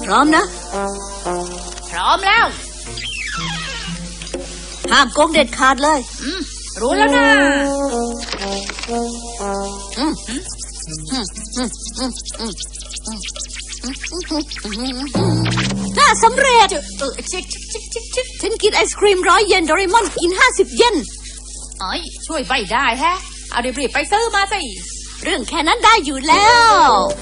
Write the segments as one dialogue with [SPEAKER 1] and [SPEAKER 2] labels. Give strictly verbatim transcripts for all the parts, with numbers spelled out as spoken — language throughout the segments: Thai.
[SPEAKER 1] ร้อมนะ
[SPEAKER 2] พร้อมแล้ว
[SPEAKER 1] ห้ามโกงเด็ดขาดเลย
[SPEAKER 2] อืมรู้แล้วนะ
[SPEAKER 1] อืมอืมอืมอืมอืมอืมน่าสำเร็จ
[SPEAKER 2] เออชิกชิกชิกชิก
[SPEAKER 1] ฉันกินไอศครีมร้อยเยนโดเรมอนกินห้าสิบเยน
[SPEAKER 2] เอ้ยช่วยไม่ได้แฮะเอารีบๆไปซื้อมาสิ
[SPEAKER 1] เรื่องแค่นั้นได้อยู่แล้ว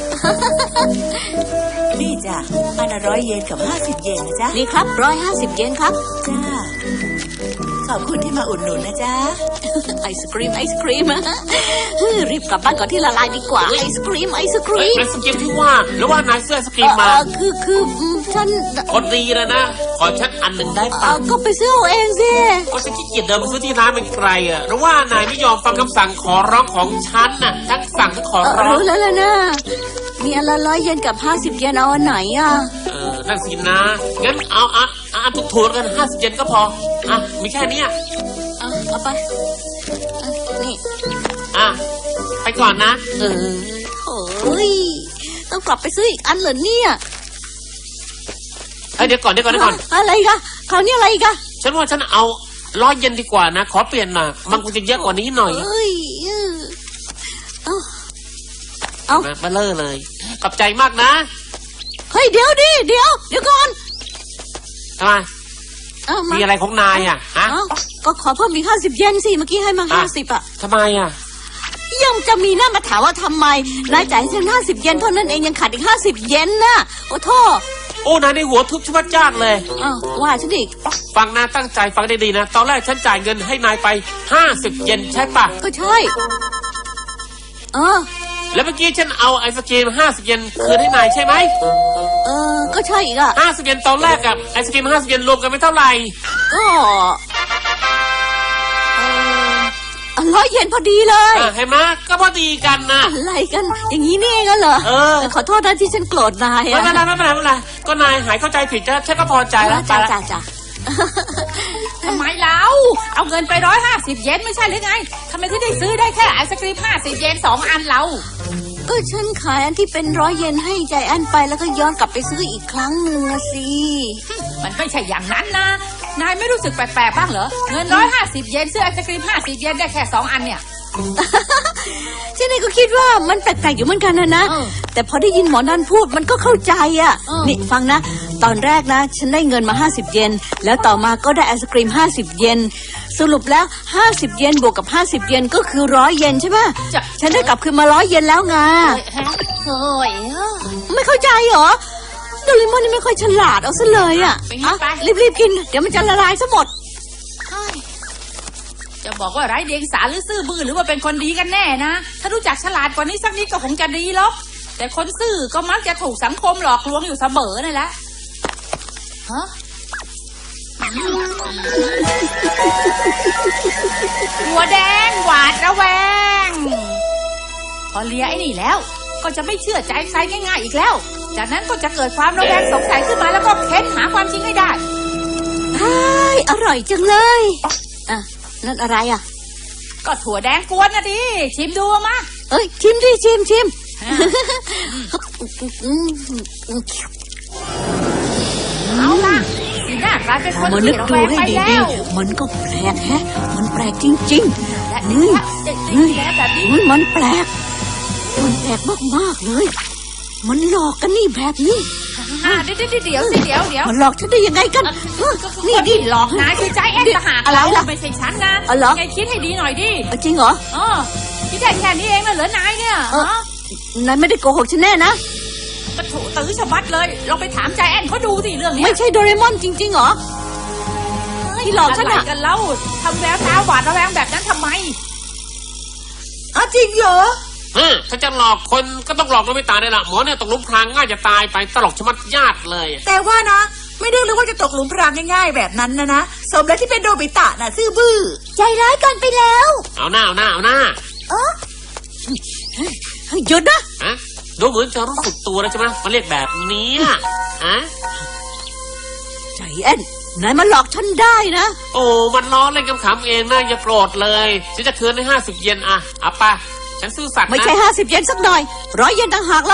[SPEAKER 3] นี่จ้ะอันละร้อยเยนกับห้าสิบเยนนะจ๊ะ
[SPEAKER 1] นี่ครับร้อยห้าสิบเยนครับ
[SPEAKER 3] จ้าขอบคุณที่มาอุดหนุนนะจ๊ะ
[SPEAKER 1] ไอศครีมไอศครีมรีบกลับบ้านก่อนที่ละลายดีกว่าไอศครีมไอศครีม
[SPEAKER 4] ไอศครีมที่ว่าหรือว่านายเสื้อไอศครีมมา
[SPEAKER 1] คือคือฉัน
[SPEAKER 4] คนดีเลยนะขอฉันอันหนึ่งได้ปะ
[SPEAKER 1] ก็ไปซื้อเอาเองสิ
[SPEAKER 4] ก็ฉันขี้เกียจเดินไปซื้อที่ร้านเป็นไกลอ่ะหรือว่านายไม่ยอมฟังคำสั่งขอร้องของฉันน่ะทั้งสั่งทั้งขอร้อง
[SPEAKER 1] รู้แล้วล่ะนะมีอันละร้อยเยนกับห้าสิบเยนเอาอันไหนอ่ะ
[SPEAKER 4] เออนั่นสินะงั้นเอาอ่ะอ่ะถูกๆกันห้าสิบเยนก็พออ่ะมีแค่นี้
[SPEAKER 1] เอาเอาไปนี่
[SPEAKER 4] อ่ะไปก่อนนะ
[SPEAKER 1] เออโอ้ยต้องกลับไปซื้ออีกอันเหรอเนี่ย
[SPEAKER 4] เฮ้ยเดี๋ยวก่อนเดี๋ยวก่อนเดี๋ยวก่อน
[SPEAKER 1] อะไรคะคราวนี้อะไรอีกอะ
[SPEAKER 4] ฉันว่าฉันเอาร้อยเยนดีกว่านะขอเปลี่ยนหน่อยมันคงจะเยอะกว่านี้หน่อย
[SPEAKER 1] เอ้ยเอาเอา
[SPEAKER 4] มาเลอะเลยขอบใจมากนะ
[SPEAKER 1] เฮ้ยเดี๋ยวดิเดี๋ยวเดี๋ยวก่อน
[SPEAKER 4] ทำไมมีอะไรของนายอ่ะฮะ
[SPEAKER 1] ก็ขอเพิ่มอีกห้าสิบเยนสิเมื่อกี้ให้มาห้าสิบอ่ะ
[SPEAKER 4] ทำไมอ่ะ
[SPEAKER 1] ยังจะมีหน้ามาถามว่าทำไมนายจ่ายให้ฉันห้าสิบเยนเท่านั้นเองยังขาดอีกห้าสิบเยนน่ะโอ้โทษ
[SPEAKER 4] โอ้นายในหัวทุบชวัดจ้านเลย
[SPEAKER 1] อ้าวว่าฉันอีก
[SPEAKER 4] ฟังนะตั้งใจฟังได้ดีนะตอนแรกฉันจ่ายเงินให้นายไปห้าสิบเยนใช่ปะ
[SPEAKER 1] ก็ใช่เออ
[SPEAKER 4] แล้วเมื่อกี้ฉันเอาไอศกรีมห้าสิบเยนคืนให้นายใช่ไหม
[SPEAKER 1] เออก็ใช่อีกอ่ะ
[SPEAKER 4] ห้าสิบเยนตอนแรกกับไอศกรีมห้าสิบเยนรวมกันไม่เท่าไหร่
[SPEAKER 1] ก็ร้อยเยนพอดีเลย
[SPEAKER 4] เห็นไหมก็พอดีกันนะ
[SPEAKER 1] อะไรกันอย่างนี้นี่เองเหรอ
[SPEAKER 4] เออ
[SPEAKER 1] ขอโทษนะที่ฉันโกรธนาย
[SPEAKER 4] ไม่เป็นไรไม่เป็นไรไม่เป็นไรก็นายหายเข้าใจผิดแล้วฉันก็พอใจแล้ว
[SPEAKER 1] จ้าจ้าจ้า
[SPEAKER 2] ทำไมเราเอาเงินไปร้อยห้าสิบเยนไม่ใช่หรือไงทำไมที่ได้ซื้อได้แค่ไอศกรีมห้าสิบเยนสองอันเรา
[SPEAKER 1] ก็ฉันขายอันที่เป็นร้อยเยนให้ใจอันไปแล้วก็ย้อนกลับไปซื้ออีกครั้งหนึ่งสิ
[SPEAKER 2] มันไม่ใช่อย่างนั้นนะนายไม่รู้สึกแปลกๆบ้างเหรอเงินร้อยห้าสิบเยนซื้อไอศกรีมห้าสิบเยนได้แค่สองอันเนี่ย
[SPEAKER 1] ฉันเองก็คิดว่ามันแปลกๆอยู่เหมือนกันนะนะแต่พอได้ยินหมอนันพูดมันก็เข้าใจอ่ะนี่ฟังนะตอนแรกนะฉันได้เงินมาห้าสิบเยนแล้วต่อมาก็ได้ไอศกรีมห้าสิบเยนสรุปแล้วห้าสิบเยนบวกกับห้าสิบเยนก็คือร้อยเยนใช่ไหมฉันได้กลับคืนมาร้อยเยนแล้วไง
[SPEAKER 2] โอ้ย
[SPEAKER 1] ไม่เข้าใจเหรอโดเรมอนนี่ไม่ค่อยฉลาดเอาซะเลยอ่ะรีบๆกินเดี๋ยวมันจะละลายซะหมด
[SPEAKER 2] จะบอกว่าไร้เดียงสาหรือซื่อบื้อหรือว่าเป็นคนดีกันแน่นะถ้ารู้จักฉลาดกว่านี้สักนิดก็คงจะดีหรอกแต่คนซื่อก็มักจะถูกสังคมหลอกลวงอยู่เสมอนั่นแหละฮะหัวแดงหวาดระแวงพอเลียไอ้นี่แล้วก็จะไม่เชื่อใจใครง่ายๆอีกแล้วจากนั้นก็จะเกิดความระแวงสงสัยขึ้นมาแล้วก็เค้นหาความจริงให้ได้
[SPEAKER 1] ใช่อร่อยจังเลยอ่ะนั่นอะไรอ่ะ
[SPEAKER 2] ก็ถั่วแดงกวนนะดิชิมดูมา
[SPEAKER 1] เอ้ยชิมดิชิมชิม
[SPEAKER 2] เอาล่ะสีหน้ากลายเป็นคนที่ระแวงไปแล้ว
[SPEAKER 1] มันก็แปลกแฮะมันแปลกจริงๆ
[SPEAKER 2] และนี่นี่แบบนี้
[SPEAKER 1] มันแปลกมันแปลกมากๆเลยมันหลอกกันนี่แบบนี้
[SPEAKER 2] เดี๋ยวเดี๋ยวเดี๋ยวเดี๋ยวเดี๋ยว
[SPEAKER 1] มันหลอกฉันได้ยังไงกัน
[SPEAKER 2] นี่ดิหลอกนายคือใจแอนทหารอะไรล่ะไม่ใช่ฉันนะไงคิดให้ดีหน่อยดิ
[SPEAKER 1] จริงเหรอ
[SPEAKER 2] เออคิดได้แค่นี้เองนะเหรอนายเนี่ย
[SPEAKER 1] นายไม่ได้โกหกฉันแน่นะ
[SPEAKER 2] กระถูตื้อฉบัดเลยลองไปถามใจแอนเขาดูสิเรื่องนี้
[SPEAKER 1] ไม่ใช่โดเรมอนจริงๆเหรอที่หลอกฉันอะ
[SPEAKER 2] กันเล่าทำแววตาหวาดระแวงแบบนั้นทำไม
[SPEAKER 1] อ๋อจริงเหรอ
[SPEAKER 4] เออถ้าจะหลอกคนก็ต้องหลอกโนบิตะได้ละหมอเนี่ยตกหลุมพรางง่ายจะตายไปตลกชะมัดญาติเลย
[SPEAKER 3] แต่ว่านะไม่ได้รู้ว่าจะตกหลุมพรางง่ายๆแบบนั้นนะนะสมแล้วที่เป็นโนบิตะน่ะซื่อบื้อ
[SPEAKER 1] ใจร้ายกันไปแล้ว
[SPEAKER 4] เอาหน้าเอาหน้าเอาหน้า
[SPEAKER 1] เออหยุดนะ
[SPEAKER 4] ฮะดูเหมือนจะรู้สึกตัวแล้วใช่ไหมมาเรียกแบบนี้ฮะ
[SPEAKER 1] ใจแอนนายมาหลอกฉันได้นะ
[SPEAKER 4] โอ้มันล้อเล่นขำๆเองนะอย่าโกรธเลยฉันจะคืนให้ห้าสิบเยนอ่ะเอาป่ะฉันซื่อสัตย์นะ
[SPEAKER 1] ไม่ใช่ห้าสิบเยนสักหน่อยร้อยเยนต่างหากเล่า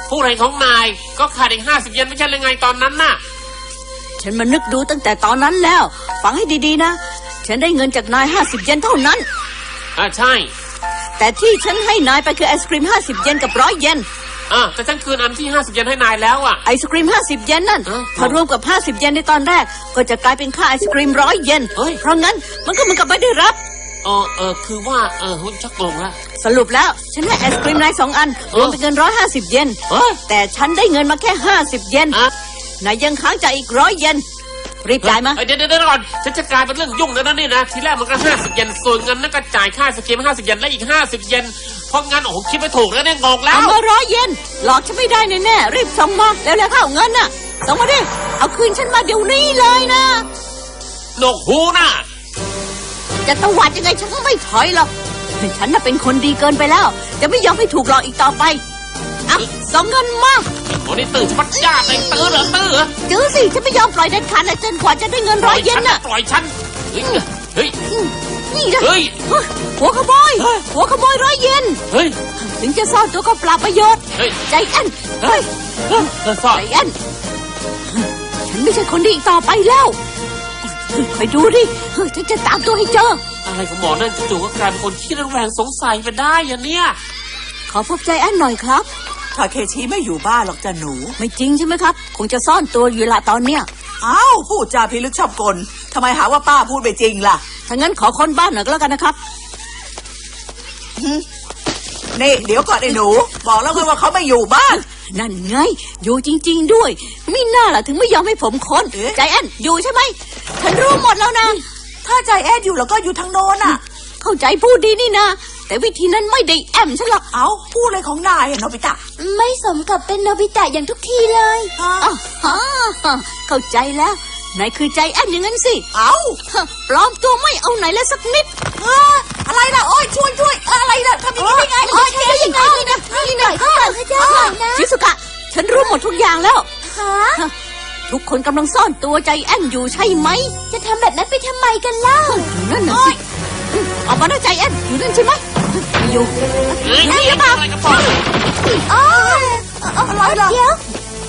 [SPEAKER 4] ผู้ไรของนายก็ขาดอีกห้าสิบเยนไม่ใช่เลยไงตอนนั้นน่ะ
[SPEAKER 1] ฉันมานึกดูตั้งแต่ตอนนั้นแล้ว ฟังให้ดีๆนะ ฉันได้เงินจากนายห้าสิบเยนเท่านั้น
[SPEAKER 4] อ่าใช่
[SPEAKER 1] แต่ที่ฉันให้นายไปคือไอศกรีมห้าสิบเยนกับร้อยเยน
[SPEAKER 4] อ่าแต่ฉันคืนอันที่ห้าสิบเยนให้นายแล้วอ่ะ
[SPEAKER 1] ไอศกรีมห้าสิบเยนนั่น
[SPEAKER 4] เออ
[SPEAKER 1] ถ้ารวมกับห้าสิบเยนในตอนแรก ก็จะกลายเป็นค่าไอศกรีมร้อยเยน
[SPEAKER 4] เฮ้ย
[SPEAKER 1] เพราะงั้นมันก็เหมือนกับไม่ได้รับ
[SPEAKER 4] เออเออคือว่าเออหุ่นชักงงละ
[SPEAKER 1] สรุปแล้วฉันให้ไอศกรีมนายสองอันรวมเป็นเงินร้อยห้าสิบเยน
[SPEAKER 4] เฮ้ย
[SPEAKER 1] แต่ฉันได้เงินมาแค่ห้าสิบเยน
[SPEAKER 4] อ่ะ
[SPEAKER 1] นายยังค้างจ่ายอีกร้อยเยนรีบจ่ายมา
[SPEAKER 4] เอ้ยเดี๋ยวเดี๋ยวเดี๋ยวก่อนฉันจะกลายเป็นเรื่องยุ่งแล้วนะนี่นะทีแรกมันก็ห้าสิบเยนส่วนเงินนั่นก็จ่ายค่าสเกมห้าสิบเยนและอีกห้าสิบเยนเพราะงั้นโอ้โหคิดไม่ถูกแล้วเนี่ยงงแล้
[SPEAKER 1] เอา
[SPEAKER 4] ว
[SPEAKER 1] มาร้อยเยนหลอกฉันไม่ได้แน่ๆรีบส่งมาแล้วแล้วเข้าเงินน่ะส่งมาดิเอาคืนฉันมาเดี๋ยวนี้เลยนะ
[SPEAKER 4] หนวกหูน่ะ
[SPEAKER 1] จะตวาดยังไงฉันก็ไม่ถอยหรอกฉันน่ะเป็นคนดีเกินไปแล้ว จะไม่ยอมให้ถูกหลอกอีกต่อไปอ่ะส่งเงินมา
[SPEAKER 4] โอ้นี่ตื่นชัดจ้าเลยตื่นเหรอตื่นเหรอ
[SPEAKER 1] จื้อสิฉันไม่ยอมปล่อยเด็ดขาดเลยจนกว่าจะได้เงินร้อยเยนน่ะ
[SPEAKER 4] ปล่อยฉันเฮ้ยเฮ้ย
[SPEAKER 1] นี่นะ
[SPEAKER 4] เฮ้ย
[SPEAKER 1] หัวขโมยหัวขโมยร้อยเยน
[SPEAKER 4] เฮ้ย
[SPEAKER 1] ถึงจะซ่อนตัวก็เปล่าประโยชน์
[SPEAKER 4] เฮ้ย
[SPEAKER 1] ใจแอนเฮ้ย
[SPEAKER 4] เฮ้ยเฮ้ยซ่อน
[SPEAKER 1] ใจแอนฉันไม่ใช่คนดีอีกต่อไปแล้วคอยดูดิเฮ้ยฉันจะตามตัวให้เจอ
[SPEAKER 4] อะไรของหมอนั่นจู่ๆก็กลายเป็นคนขี้ระแวงสงสัยไปได้ยังเนี่ย
[SPEAKER 1] ขอพบใจแอนหน่อยครับ
[SPEAKER 3] ทาเคชิไม่อยู่บ้านหรอกจ้ะหนู
[SPEAKER 1] ไม่จริงใช่ไหมครับ คงจะซ่อนตัวอยู่ละตอนเนี้ย
[SPEAKER 3] อ้าวพูดจาพิลึกชอบกลทำไมหาว่าป้าพูดไปจริงล่ะ
[SPEAKER 1] ถ้างั้นขอค้นบ้านหน่อยก็แล้วกันนะครับ
[SPEAKER 3] นี่เดี๋ยวก่อนไอ้หนู บอกแล้วไงว่าเขาไม่อยู่บ้าน
[SPEAKER 1] นั่นไง อยู่จริง ๆ ด้วยไม่น่าล่ะถึงไม่ยอมให้ผมค้น
[SPEAKER 3] เอ๊ะ
[SPEAKER 1] ใจแอนอยู่ใช่ไหมฉันรู้หมดแล้วนะ
[SPEAKER 3] ถ้าใจแอดอยู่แล้วก็อยู่ทางโน้นอ่ะ
[SPEAKER 1] เข้าใจพูดดีนี่นะแต่วิธีนั้นไม่ได้แอมฉันหรอก
[SPEAKER 3] เอาพูดอะไรของนายอะโนบิตะ
[SPEAKER 1] ไม่สมกับเป็นโนบิตะอย่างทุกทีเลย
[SPEAKER 3] ฮะ
[SPEAKER 1] อ๋อเข้าใจแล้วนายคือใจแอนอย่างนั้นสิ
[SPEAKER 3] เอา
[SPEAKER 1] ปลอมตัวไม่เอาไหนเลยสักนิด
[SPEAKER 3] เอ้ออะไรล่ะโอ้ยช่วยช่วยอะไรล่ะทำอย่างนี้ได้ไงโอ้ย
[SPEAKER 1] ใช่ยังไงนี่นะนี่นะข้าข้าเจ้านะชิสุกะ ฉันรู้หมดทุกอย่างแล้วฮะทุกคนกำลังซ่อนตัวใจแอนอยู่ใช่ไหม จะทำแบบนั้นไปทำไมกันเล่านั่นน่ะสิออกมาหน้าใจแอนอยู่นั่นใช่ไหมอยู่
[SPEAKER 4] เฮ้ย
[SPEAKER 1] อยู่นี่หรือเปล่า
[SPEAKER 4] อะไรกันต่อ
[SPEAKER 1] อ๋อ
[SPEAKER 3] อะไรล่ะ
[SPEAKER 1] เดี๋ยว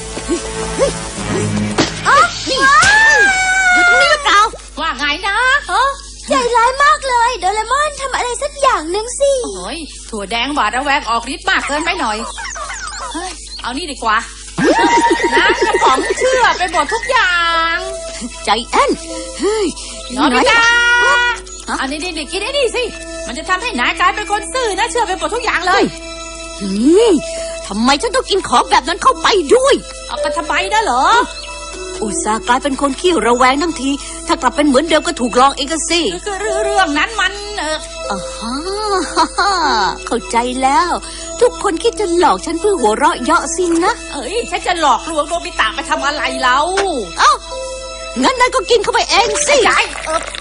[SPEAKER 1] อ๋อนี่อยู่ตรงนี้หรือเปล่า
[SPEAKER 2] ว่าไงนะ
[SPEAKER 1] ใจร้ายมากเลยโดเรมอนทำอะไรสักอย่างหนึ่งสิ
[SPEAKER 2] โอ้ยถั่วแดงหวาดระแวงออกฤทธิ์มากเกินไปหน่อยเฮ้ยเอานี่ดีกว่าน้ำกระป๋องเชื่อไปหมดทุกอย่าง
[SPEAKER 1] ใจแอนเฮ้ย
[SPEAKER 2] นอนไม่ได้
[SPEAKER 1] ฮะ
[SPEAKER 2] อันนี้นี่กินไอ้นี่สิ มันจะทำให้นายกลายเป็นคนซื่อนะเชื่อไปหมดทุกอย่างเลย
[SPEAKER 1] นี่ทำไมฉันต้องกินของแบบนั้นเข้าไปด้วย
[SPEAKER 2] เอาไปทำไมนะเหรอ
[SPEAKER 1] อุตส่าห์กลายเป็นคนขี้ระแวงทั้งที ถ้ากลับเป็นเหมือนเดิมก็ถูกลองเองก็สิ
[SPEAKER 2] คือเรื่องนั้นมันเออ
[SPEAKER 1] อ่าฮะเข้าใจแล้ว ทุกคนคิดจะหลอกฉันเพื่อหัวเราะเยาะสินะ
[SPEAKER 2] เอ้ยฉันจะหลอกลวงโนบิตะไปทำอะไรเรา
[SPEAKER 1] เอ้างั้นนายก็กินเข้าไปเองสิ
[SPEAKER 2] ยายเออ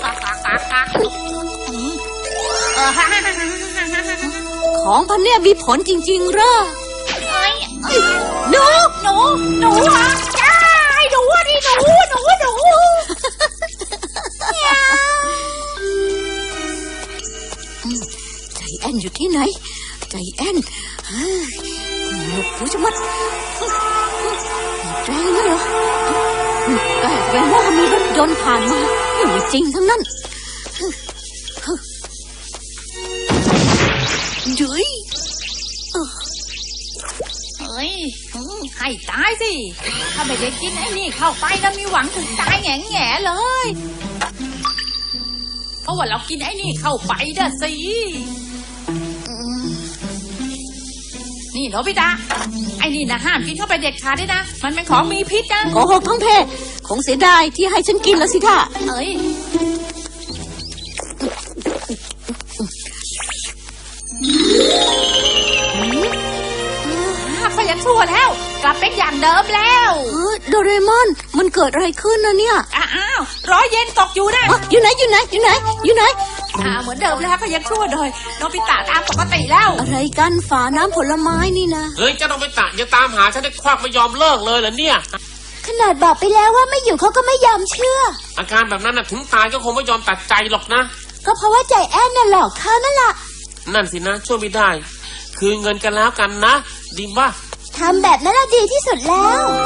[SPEAKER 2] เออฮ่าฮ่าฮ่าฮ่าฮ่า
[SPEAKER 1] ของพันเนี่ยมีผลจริงๆเหรอ
[SPEAKER 2] เอ้ย
[SPEAKER 1] หนู
[SPEAKER 2] หนูหนูอ่ะจ้าให้หนูอ่ะดิหนูหนูหนู
[SPEAKER 1] ใจแอนอยู่ที่ไหน ใจแอนเฮ้ยหนวกหูจะมัดแรงนะเหรอแต่แปลว่ามีรถยนต์ผ่านมาไม่จริงทั้งนั้นเฮ้ย
[SPEAKER 2] เฮ้ยให้ตายสิถ้าไม่ได้กินไอ้นี่เข้าไปแล้วมีหวังถึงตายแง่แง่เลย เพราะว่าเรากินไอ้นี่เข้าไปเด้อสินี่โนบิตะไอ้นี่นะห้ามกินเข้าไปเด็ดขาดด้วยนะมันเป็นของมีพิษนะ
[SPEAKER 1] โกหกทั้งเพคงเสียดายที่ให้ฉันกินแล้วสิท่า
[SPEAKER 2] เอ้ยก็ยังชั่วแล้ว กลับเป็นอย่างเดิมแล้ว
[SPEAKER 1] เออโดเรมอนมันเกิดอะไรขึ้นนะเนี่ย
[SPEAKER 2] อ้าวร้อยเย็นตกอยู่นะ
[SPEAKER 1] อ๋ออยู่ไหนอยู่ไหนอยู่ไหนอยู่ไหน
[SPEAKER 2] อ่าเหมือนเดิมแล้วก็ยังชั่วเลยโนบิตะตามปกติแล้ว
[SPEAKER 1] อะไรกันฝาน้ำผลไม้นี่นะ
[SPEAKER 4] เฮ้ยเจ้าโนบิตะยังตามหาฉันได้ควักไม่ยอมเลิกเลยเหรอเนี่ย
[SPEAKER 1] ขนาดบอกไปแล้วว่าไม่อยู่เขาก็ไม่ยอมเชื่อ
[SPEAKER 4] อาการแบบนั้นน่ะถึงตายก็คงไม่ยอมตัดใจหรอกนะ
[SPEAKER 1] ก็เพราะว่าใจแอนน่ะหลอกเขานั่นแหละ
[SPEAKER 4] นั่นสินะช่วยไม่ได้ คืนเงินกันแล้วกันนะดีป่ะ
[SPEAKER 1] ฮ
[SPEAKER 5] ทำแบบนั้นละดีที่สุดแล้ว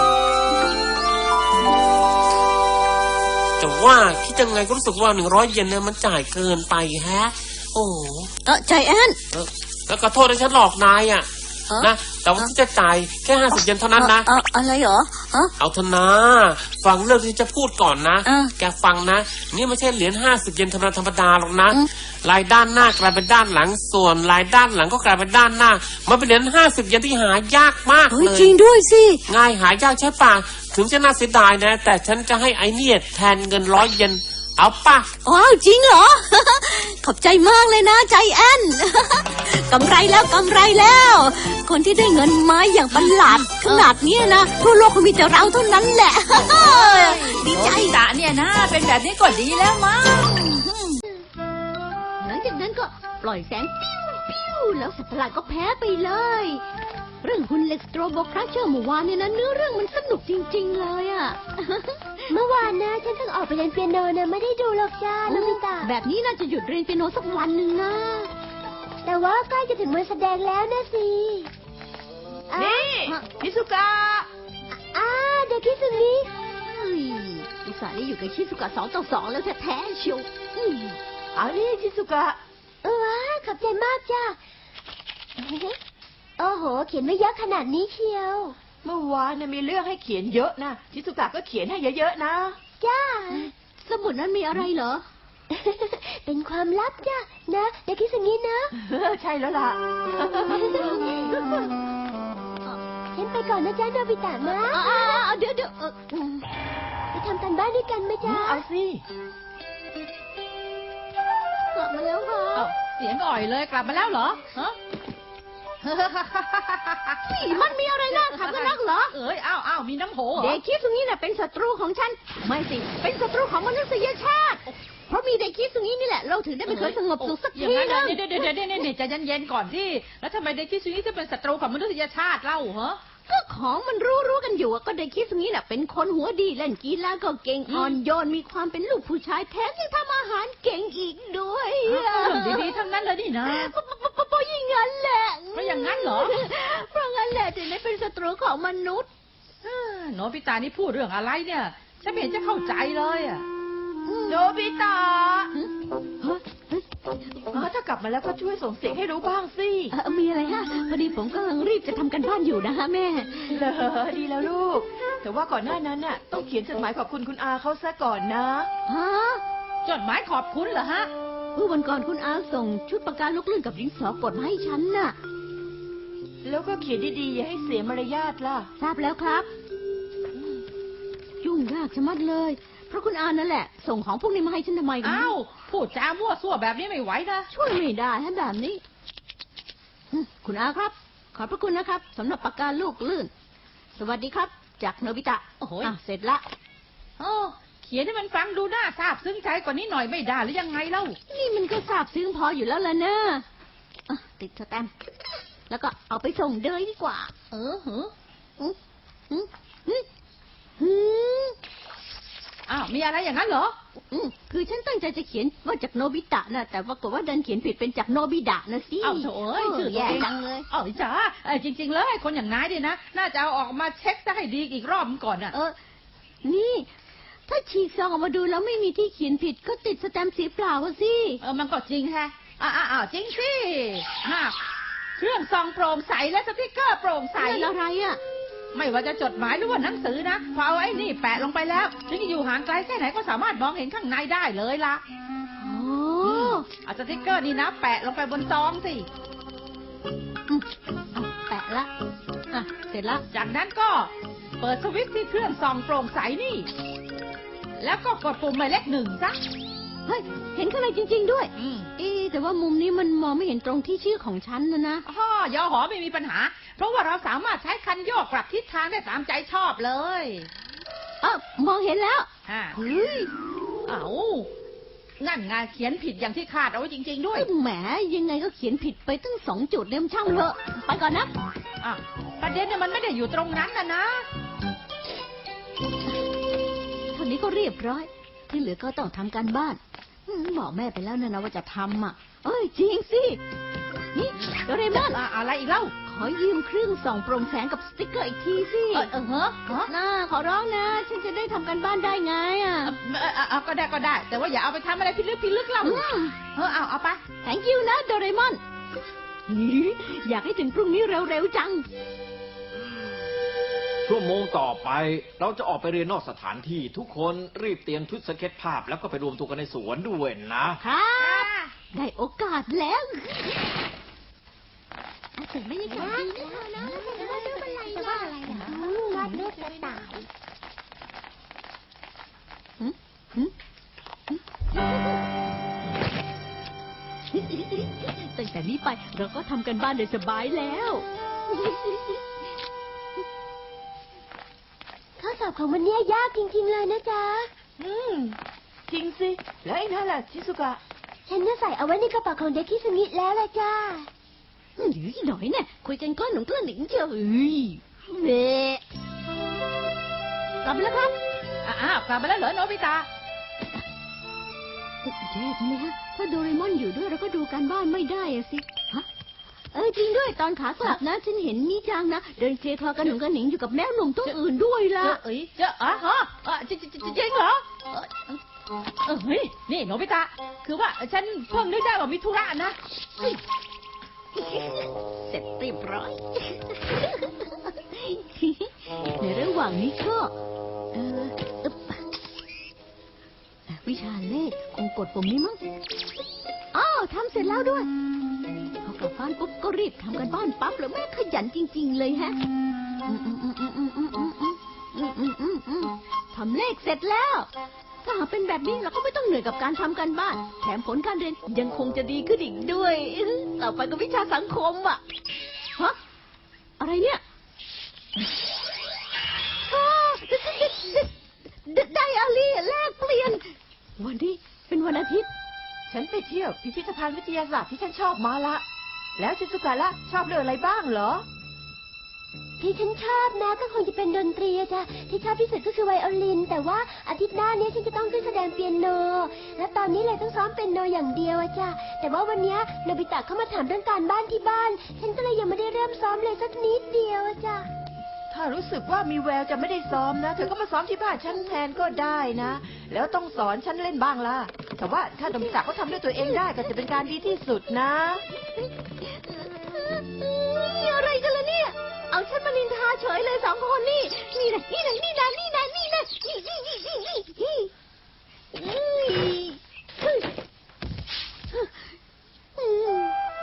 [SPEAKER 4] จะว่าคิดยังไงก็รู้สึกว่าหนึ่งร้อยเยนเนี่ยมันจ่ายเกินไปแฮะ โอ้
[SPEAKER 1] เออใจแอน
[SPEAKER 4] เออแล้วก็โทษที่ฉันหลอกนายอ่ะ
[SPEAKER 1] เอ้อ
[SPEAKER 4] นะแต่ว่าที่จะจ่ายแค่ห้าสิบเยนเท่านั้นนะ
[SPEAKER 1] เอออะไรเหรอฮะ
[SPEAKER 4] เอาเถอะนะฟังเรื่องที่จะพูดก่อนนะ
[SPEAKER 1] อ่ะ
[SPEAKER 4] แกฟังนะ นี่ไม่ใช่เหรียญห้าสิบเยนธรรมดาธรรมดาหรอกนะ
[SPEAKER 1] อืม
[SPEAKER 4] ลายด้านหน้ากลายเป็นด้านหลังส่วนลายด้านหลังก็กลายเป็นด้านหน้า มันเป็นเหรียญห้าสิบเยนที่หายากมาก
[SPEAKER 1] เฮ้ย
[SPEAKER 4] เลย
[SPEAKER 1] จริงด้วยสิ
[SPEAKER 4] ง่ายหายากใช่ปะถึงจะน่าเสียดายนะ แต่ฉันจะให้ไอเนี่ยแทนเงินร้อยเยนเอาปะ
[SPEAKER 1] ว้าวจริงเหรอ ขอบใจมากเลยนะใจแอน กำไรแล้วกำไรแล้ว คนที่ได้เงินมาอย่างประหลาดขนาดเนี้ยนะทั่วโลกคงมีแต่เราเท่านั้นแหละ ดีใจ
[SPEAKER 2] โนบิตะเนี่ยนะเป็นแบบนี้ก็ดีแล้วมั้ง
[SPEAKER 6] หลังจากนั้นก็ปล่อยแสงปิ้วปิ้วแล้วสัตว์ประหลาดก็แพ้ไปเลย เรื่องหุ่นเหล็กสโตรโบคราเชอร์เมื่อวานเนี่ยนะเนื้อเรื่องมันสนุกจริง ๆ เลยอะ
[SPEAKER 5] เมื่อวานนะฉันเพิ่งออกไปเล่นเปียโนนะไม่ได้ดูหรอกจ้าโนบิตะ
[SPEAKER 6] แบบนี้น่าจะหยุดเรียนเปียโนสักวันหนึ่งนะ
[SPEAKER 5] แต่ว่าใกล้จะถึงวันแสดงแล้วนะสิอ่ะ
[SPEAKER 3] นี่พิสุกะ
[SPEAKER 5] อ่าเด็กคิดสึนี้
[SPEAKER 6] เฮ้ยอุตส่าห์ได้อยู่กับชิสุกะสองต่อสองแล้วแท้ๆเชียวอืม
[SPEAKER 3] เอานี่พิสุกะ
[SPEAKER 5] เออว้าขอบใจมากจ้าโอ้โห เขียนไม่เยอะขนาดนี้เชียว
[SPEAKER 3] เมื่อวานน่ะมีเรื่องให้เขียนเยอะนะพิสุกะก็เขียนให้เยอะๆนะ
[SPEAKER 5] จ้า
[SPEAKER 6] สมุดนั้นมีอะไรเหรอ
[SPEAKER 5] เป็นความลับจ้านะเด็กคิดสึนี้นะ
[SPEAKER 3] ใช่แล้วล่ะ
[SPEAKER 5] ฉันไปก่อนนะจ๊ะโนบิตะนะ
[SPEAKER 6] อ่าๆๆเดี๋ยวเดี๋ยวเอออืม
[SPEAKER 5] ไปทำกันบ้านด้วยกันไหมจ๊ะ
[SPEAKER 3] เอาสิ
[SPEAKER 6] กลับมาแล้วค่ะ
[SPEAKER 2] เอ้าเสียงอ่อยเลยกลับมาแล้วเหรอฮะ
[SPEAKER 6] นี่มันมีอะไรน่าขำกันนักเหรอ
[SPEAKER 2] เอ้ยอ้าวอ้าวมีน้ำโหเหร
[SPEAKER 6] เด็
[SPEAKER 2] อก
[SPEAKER 6] คิดตรงนี้น่ะเป็นศัตรูของฉัน ไม่สิ เป็นศัตรูของมนุษยชาติ เพราะมีเด็กคิดตรงนี้นี่แหละ เราถึงได้ไม่เคยสงบสุขสัก
[SPEAKER 2] อย่า
[SPEAKER 6] ที
[SPEAKER 2] งนั้น
[SPEAKER 6] นึ
[SPEAKER 2] นะ
[SPEAKER 6] ง
[SPEAKER 2] เดี๋ยวเดี๋ยวเดี๋ยวเดี๋ยวเดี๋ยวใจเย็นๆก่อนที่แล้วทำไมเด็กคิดซุนี้จะเป็นศัตรูของมนุษยชาติเล่าเหรอ
[SPEAKER 6] ก็ของมันรู้รู้กันอยู่อะก็เด็กคิดตรงนี้น่ะเป็นคนหัวดีเล่นกีฬาก็เก่งอ่อนโยนมีความเป็นลูกผู้ชายแถมยังทำอาหารเก่งอีกด้วย
[SPEAKER 2] เรื่องดีๆทั้งนั้นเลยนี่นะ
[SPEAKER 6] ปะปะปะปะปะอย่างนั้นแหละ
[SPEAKER 2] เพราะอย่างนั้นเหรอ
[SPEAKER 6] เพราะงั้นแหละถึงได้เป็นศัตรูของมนุษย์
[SPEAKER 2] เอ้อโนบิตานี่พูดเรื่องอะไรเนี่ยฉันไม่เห็นจะเข้าใจเลยอ่ะ
[SPEAKER 3] โนบิตะอ๋อถ้ากลับมาแล้วก็ช่วยส่งเสียงให้รู้บ้างสิ
[SPEAKER 6] เอ่อมีอะไรฮะพอดีผมกำลังรีบจะทำกันบ้านอยู่นะฮะแม่
[SPEAKER 3] เหรอดีแล้วลูก แต่ว่าก่อนหน้านั้นน่ะต้องเขียนจดหมายขอบคุณคุณอาเขาซะก่อนนะ
[SPEAKER 6] ฮะ
[SPEAKER 2] จดหมายขอบคุณเหรอฮะ
[SPEAKER 6] เมื่อวันก่อนคุณอาส่งชุดปากกาลูกเลื่อนกับดินสอกดมาให้ฉันน่ะ
[SPEAKER 3] แล้วก็เขียนดีๆอย่าให้เสียมารยาทล่ะ
[SPEAKER 6] ทราบแล้วครับ ยุ่งยากชะมัดเลย เพราะคุณอานั่นแหละ ส่งของพวกนี้มาให้ฉันทำไมกัน
[SPEAKER 2] อ้าวพูดจามั่วซั่วแบบนี้ไม่ไหวนะ
[SPEAKER 6] ช่วยไม่ได้ฮะแบบนี้อืมคุณอาครับ ขอบพระคุณนะครับสำหรับปากกาลูกลื่น สวัสดีครับ จากโนบิตะ
[SPEAKER 2] โอ้โห
[SPEAKER 6] อ่ะเสร็จละ
[SPEAKER 2] โอ้เขียนให้มันฟังดูน่าซาบซึ้งใจกว่านี้หน่อยไม่ได้หรือยังไงเล่า
[SPEAKER 6] นี่มันก็ทราบซึ้งพออยู่แล้วล่ะนะอ่ะติดสแตมป์แล้วก็เอาไปส่งเดยดีกว่า
[SPEAKER 2] เออเหรอ
[SPEAKER 6] อืมอืมอืมอืม
[SPEAKER 2] อ้าวมีอะไรอย่างนั้นเหรอ
[SPEAKER 6] อืมคือฉันตั้งใจจะเขียนว่าจากโนบิตะนะแต่ปรากฏว่าดันเขียนผิดเป็นจากโนบิดะนะสิ
[SPEAKER 2] เอ้าโถเอ้ยชื่อตัว
[SPEAKER 6] แย่
[SPEAKER 2] เอง
[SPEAKER 6] จังเลย
[SPEAKER 2] เอ้าจ๋าเอ้ยจริง ๆ เลยคนอย่างนายดินะ น่าจะเอาออกมาเช็คซะให้ดีอีกรอบก่อนน่ะ
[SPEAKER 6] เออ นี่ ถ้าฉีกซองออกมาดูแล้วไม่มีที่เขียนผิดก็ติดสแตมป์สีเปล่าอะสิ
[SPEAKER 2] เออมันก็จริงแฮะอ้าวอ้าวจริงสิฮะเครื่องซองโปร่งใสและสติกเกอร์โปร่งใส
[SPEAKER 6] ใส่อะไรอะ
[SPEAKER 2] ไม่ว่าจะจดหมายหรือว่าหนังสือนะพอเอาไอ้นี่แปะลงไปแล้วถึงจะอยู่ห่างไกลแค่ไหนก็สามารถมองเห็นข้างในได้เลยล่ะ
[SPEAKER 6] อ๋อ
[SPEAKER 2] เอาสติกเกอร์นี่นะ แปะลงไปบนซองสิ
[SPEAKER 6] อืมเอาแปะละอ่ะเสร็จละ
[SPEAKER 2] จากนั้นก็เปิดสวิตช์ที่เครื่องซองโปร่งใสนี่ แล้วก็กดปุ่มหมายเลขหนึ่งซะ
[SPEAKER 6] เฮ้ยเห็นข้างในจริง ๆ ด้วย
[SPEAKER 2] อืม
[SPEAKER 6] เอ๊ะแต่ว่ามุมนี้มันมองไม่เห็นตรงที่ชื่อของฉันนะนะ
[SPEAKER 2] ฮ่อยอหอไม่มีปัญหา เพราะว่าเราสามารถใช้คันโยกปรับทิศทางได้ตามใจชอบเลย
[SPEAKER 6] เออมองเห็นแล้ว
[SPEAKER 2] ฮะ
[SPEAKER 6] เฮ้ย
[SPEAKER 2] เอานั่นไงเขียนผิดอย่างที่คาดเอาไว้จริง ๆ ด้วย
[SPEAKER 6] แหมยังไงก็เขียนผิดไปตั้งสองจุดเนี่ยมันช่างเถอะไปก่อนนะ
[SPEAKER 2] อ่ะประเด็นเนี่ยมันไม่ได้อยู่ตรงนั้นนะนะ
[SPEAKER 6] เท่านี้ก็เรียบร้อย ที่เหลือก็ต้องทำการบ้านอืมบอกแม่ไปแล้วนะนะว่าจะทำอ่ะ เอ้ยจริงสิ นี่โดเรมอน
[SPEAKER 2] อ่ะอะไรอีกเล่า
[SPEAKER 6] ขขอยืมเครื่องส่องโปร่งแสงกับสติ๊กเกอร์อีกทีสิ
[SPEAKER 2] เออเออเฮ้อฮะ
[SPEAKER 6] น่าขอร้องนะ ฉันจะได้ทำกันบ้านได้ไงอ่ะ
[SPEAKER 2] เออเออเออก็ได้ก็ได้ แต่ว่าอย่าเอาไปทำอะไรพิลึกพิลึกเรา
[SPEAKER 6] อืม
[SPEAKER 2] เออเอาเอาไป
[SPEAKER 6] thank you นะโดเรมอน อยากให้ถึงพรุ่งนี้เร็วๆจัง
[SPEAKER 7] ชั่วโมงต่อไปเราจะออกไปเรียนนอกสถานที่ทุกคนรีบเตรียมชุดสเก็ตภาพแล้วก็ไปรวมตัวกันในสวนด้วยนะ
[SPEAKER 6] ครับ ได้โอกาสแล้วแต่ไม่ได้การดีนะ
[SPEAKER 5] แต่ว่ารูปอะไรแต่ว่าอะไรอ่ะวาดรูปกระต่าย
[SPEAKER 6] ตั้งแต่นี้ไปเราก็ทำกันบ้านโดยสบายแล้ว
[SPEAKER 5] ข้อสอบของมันเนี่ยยากจริงๆเลยนะจ๊ะ
[SPEAKER 3] อืม จริงสิ แล้วไอ้นั่นล่ะชิสุกะ
[SPEAKER 5] ฉันน่ะใส่เอาไว้ในกระเป๋าของเด็กคิสมิแล้วล่ะจ้า
[SPEAKER 6] หรือหน่อยเนี่ยคุยกันก้อนหนุ่มกล้าหนิงเจ้าเอ้ยเน่กลับมาแล้วครับ
[SPEAKER 2] อ้าวกลับมาแล้วเหรอโนบิตะ
[SPEAKER 6] เจ๊เนี่ยฮะถ้าโดเรมอนอยู่ด้วยเราก็ดูการบ้านไม่ได้อะสิฮะเออจริงด้วยตอนขากลับนะ ฉันเห็นมิจังนะเดินเคลียร์คลอกันหนุ่มกันหนิงอยู่กับแมวหนุ่มตัวอื่นด้วย
[SPEAKER 2] เจ
[SPEAKER 6] ล่ะ
[SPEAKER 2] อเอ้ยเจออ่ะฮะอ่ะจริงจริงจริงเหรอเออเออเฮ้ยนี่โนบิตะ คือว่าฉันเพิ่งนึกได้ว่ามีธุระนะ
[SPEAKER 6] เสร็จเรียบร้อย ในระหว่างนี้ก็เอออึ๊บวิชาเลขคงกดปุ่มนี้มั้งอ้าวทำเสร็จแล้วด้วยพอกลับบ้านปุ๊บก็รีบทำกันบ้านปั๊บเลยแม่ขยันจริง ๆ เลยฮะอืมอืมอืมอืมอืมอืมอืมอืมอืมอืมอืมอืมทำเลขเสร็จแล้ว ถ้าหากเป็นแบบนี้เราก็ไม่ต้องเหนื่อยกับการทำกันบ้าน แถมผลการเรียนยังคงจะดีขึ้นอีกด้วย ต่อไปก็วิชาสังคมอ่ะฮะอะไรเนี่ยอ้าวไดอารี่แลกเปลี่ยน วันนี้เป็นวันอาทิตย์
[SPEAKER 3] ฉันไปเที่ยวพิพิธภัณฑ์วิทยาศาสตร์ที่ฉันชอบมาละ แล้วชิสุกะล่ะชอบเรื่องอะไรบ้างเหรอ
[SPEAKER 5] ที่ฉันชอบนะก็คงจะเป็นดนตรีอะจ้ะที่ชอบที่สุดก็คือไวโอลิน แต่ว่าอาทิตย์หน้านี้ฉันจะต้องขึ้นแสดงเปียโน และตอนนี้เลยต้องซ้อมเปียโนอย่างเดียวอะจ้ะแต่ว่าวันนี้โนบิตะเข้ามาถามเรื่องการบ้านที่บ้าน ฉันก็เลยยังไม่ได้เริ่มซ้อมเลยสักนิดเดียวอะจ้ะ
[SPEAKER 3] ถ้ารู้สึกว่ามีแววจะไม่ได้ซ้อมนะ เธอก็มาซ้อมที่บ้านฉันแทนก็ได้นะ แล้วต้องสอนฉันเล่นบ้างล่ะ แต่ว่าถ้าโนบิตะเขาทำด้วยตัวเองได้ก็จะเป็นการดีที่สุดนะ
[SPEAKER 6] นี่อะไรกันล่ะเนี่ย เอาฉันมานินทาเฉยเลยสองคนนี่ นี่นะนี่นะนี่นะนี่นะนี่นะนี่นี่นี่นี่นี่นี่อืม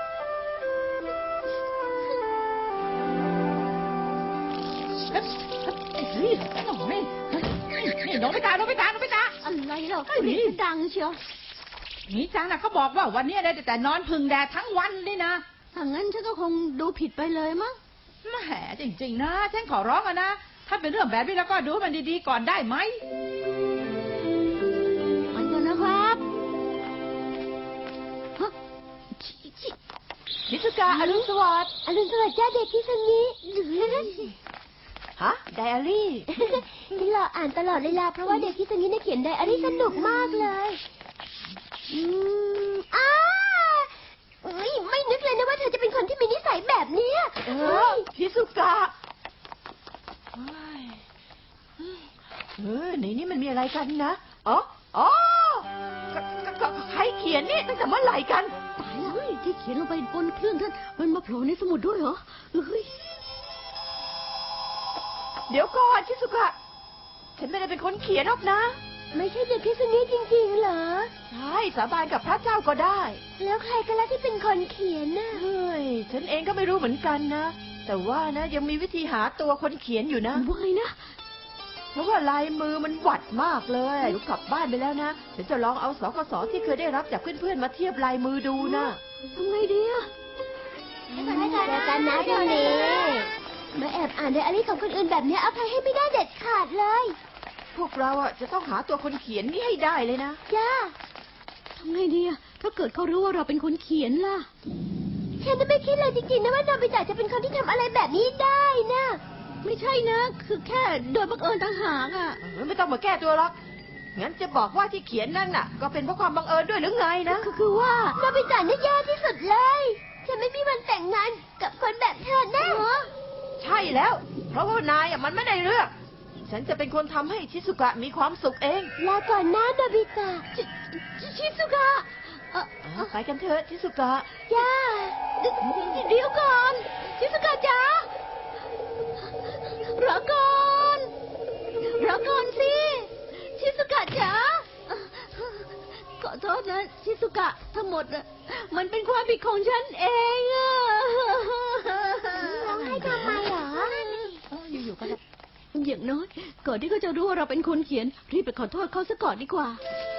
[SPEAKER 2] เฮ้ยเฮ้ยโอ้ยนี่โนบิตะโนบิตะโนบิตะ
[SPEAKER 6] อะไรเหรอเสียงดังเชียว
[SPEAKER 2] มีจังนะเขาบอกว่าวันนี้ได้แต่นอนพึ่งแดดทั้งวันเลยนะ
[SPEAKER 6] ถ้างั้นฉันก็คงดูผิดไปเลยมั้ง
[SPEAKER 2] แหมจริงๆนะ ฉันขอร้องอะนะ ถ้าเป็นเรื่องแบบนี้แล้วก็ดูมันดีๆก่อนได้ไหม
[SPEAKER 6] ไปก่อนนะครับฮะชิชิ
[SPEAKER 3] ชิสุกะอรุณสวัสดิ์
[SPEAKER 5] อรุณสวัสดิ์จ้าเด็กคิสมิ
[SPEAKER 3] ฮะ ไดอารี่
[SPEAKER 5] ฉันรออ่านตลอดเลยล่ะเพราะว่าเด็กคิสมิเนี่ยเขียนไดอารี่สนุกมากเลยอืมอ้าเอ้ยไม่นึกเลยนะว่าเธอจะเป็นคนที่มีนิสัยแบบเนี้ย
[SPEAKER 3] เอ
[SPEAKER 5] เฮ้
[SPEAKER 3] อย ชิสุกะเฮ้ยเออในนี้มันมีอะไรกันนะอ๋ออ๋อก็ก็ก็ใครเขียนนี่ตั้งแต่เมื่อไหร่กัน
[SPEAKER 6] ตายแล้วที่เขียนลงไปบนเครื่องท่านมันมาโผล่ในสมุดด้วยเหรอเฮ้ย
[SPEAKER 3] เดี๋ยวก่อนชิสุกะ ฉันไม่ได้เป็นคนเขียนหรอกนะ
[SPEAKER 5] ไม่ใช่เด็กคิสมิจริงๆเหรอ
[SPEAKER 3] ใช่สาบานกับพระเจ้าก็ได้
[SPEAKER 5] แล้วใครกันล่ะที่เป็นคนเขียนน่ะ
[SPEAKER 3] เฮ้ย ฉันเองก็ไม่รู้เหมือนกันนะ แต่ว่านะยังมีวิธีหาตัวคนเขียนอยู่นะ
[SPEAKER 6] ว่าไงนะ
[SPEAKER 3] เพราะว่าลายมือมันหวัดมากเลยเดี๋ยวกลับบ้านไปแล้วนะฉันจะลองเอาสกสที่เคยได้รับจากเพื่อนๆมาเทียบลายมือดูนะ
[SPEAKER 6] ทำไงดีอะ
[SPEAKER 5] เจอกันนะพรุ่งนี้มาแอบอ่านไดอารี่ของคนอื่นแบบนี้อภัยให้ไม่ได้เด็ดขาดเลย
[SPEAKER 3] พวกเราอ่ะจะต้องหาตัวคนเขียนนี่ให้ได้เลยนะ
[SPEAKER 5] จ้า
[SPEAKER 6] ทำไงดีอะถ้าเกิดเขารู้ว่าเราเป็นคนเขียนล่ะ
[SPEAKER 5] ฉันไม่คิดเลยจริงๆนะว่าโนบิตะจะเป็นคนที่ทำอะไรแบบนี้ได้นะ
[SPEAKER 6] ไม่ใช่นะ คือแค่โดยบังเอิญต่างหากอะ
[SPEAKER 3] เออไม่ต้องมาแก้ตัวหรอก งั้นจะบอกว่าที่เขียนนั่นน่ะ ก็เป็นเพราะความบังเอิญด้วยหรือไงนะ
[SPEAKER 6] ก็คือว่า
[SPEAKER 5] โนบิตะนี่แย่ที่สุดเลย ฉฉันไม่มีวันแต่งงานกับคนแบบเธอแน่
[SPEAKER 3] ใช่แล้ว เพราะว่านายอ่ะมันไม่ได้เลือก ฉันจะเป็นคนทำให้ชิสุกะมีความสุขเอง
[SPEAKER 5] ลาก่อนนะโนบิตะ
[SPEAKER 6] ชิชิชิสุกะเอ่อ
[SPEAKER 3] อ่ะไปกันเถอะชิสุกะ
[SPEAKER 5] จ้า
[SPEAKER 6] เดี๋ยวเดี๋ยวก่อน ชิสุกะจ๋ารอก่อนรอก่อนสิ ชิสุกะจ๋าขอโทษนะ ชิสุกะทั้งหมดน่ะมันเป็นความผิดของฉันเองอะ
[SPEAKER 5] ร้องไห้ทำไมเหรอ
[SPEAKER 3] อยู่ๆก็
[SPEAKER 6] อย่างน้อยก่อนที่เขาจะรู้ว่าเราเป็นคนเขียน รีบไปขอโทษเขาซะก่อนดีกว่า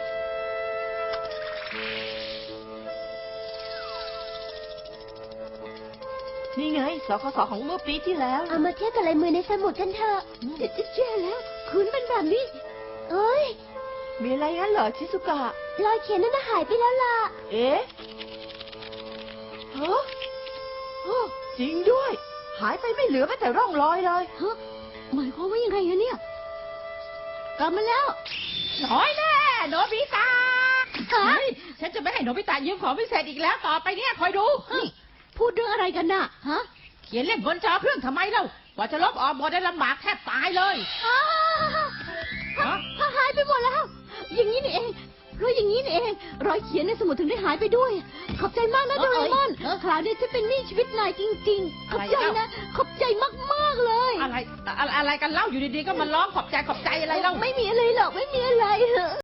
[SPEAKER 3] นี่ไงสคสของเมื่อปีที่แล้ว
[SPEAKER 5] เอามาเทียบกับลายมือในสมุดกันเถอะ
[SPEAKER 6] เจ๊เจ๊แล้ว คุณเป็นแบบนี้
[SPEAKER 5] เอ้ย
[SPEAKER 3] มีอะไรงั้นเหรอชิสุกะ
[SPEAKER 5] รอยเขียนนั่นน่ะหายไปแล้วล่ะ
[SPEAKER 3] เอ๊ะฮะฮะจริงด้วย หายไปไม่เหลือแม้แต่ร่องรอยเลย
[SPEAKER 6] ฮะหมายความว่ายังไงอะเนี่ย กลับมาแล้ว
[SPEAKER 2] น้อยแน่โนบิตะเฮ้ยฉันจะไม่ให้โนบิตะยืมของพิเศษอีกแล้วต่อไปเนี่ยคอยดู
[SPEAKER 6] นี่พูดเรื่องอะไรกันน่ะ ฮะ
[SPEAKER 2] เขียนเล่นบนจอเครื่องทำไมเล่ากว่าจะลบออกหมดได้ลำบากแทบตายเลย
[SPEAKER 6] อ้า
[SPEAKER 2] ฮะ
[SPEAKER 6] วหายไปหมดแล้ว อย่างนี้นี่เอง เพราะอย่างนี้นี่เอง รอยเขียนในสมุดถึงได้หายไปด้วย ขอบใจมากนะ
[SPEAKER 2] เอ
[SPEAKER 6] โด
[SPEAKER 2] อ
[SPEAKER 6] เรมอน
[SPEAKER 2] เออ
[SPEAKER 6] คราวนี้ฉันเป็นหนี้ชีวิตนายจริงๆ ขอบใจ
[SPEAKER 2] อะไรเล่า
[SPEAKER 6] นะ ขอบใจมากๆเลย
[SPEAKER 2] อะไรอะไรอะไรกันเล่าอยู่ดีๆก็มาร้องขอบใจขอบใจอะไรเล่า
[SPEAKER 6] ไม่มีอะไรหรอก ไม่มีอะไร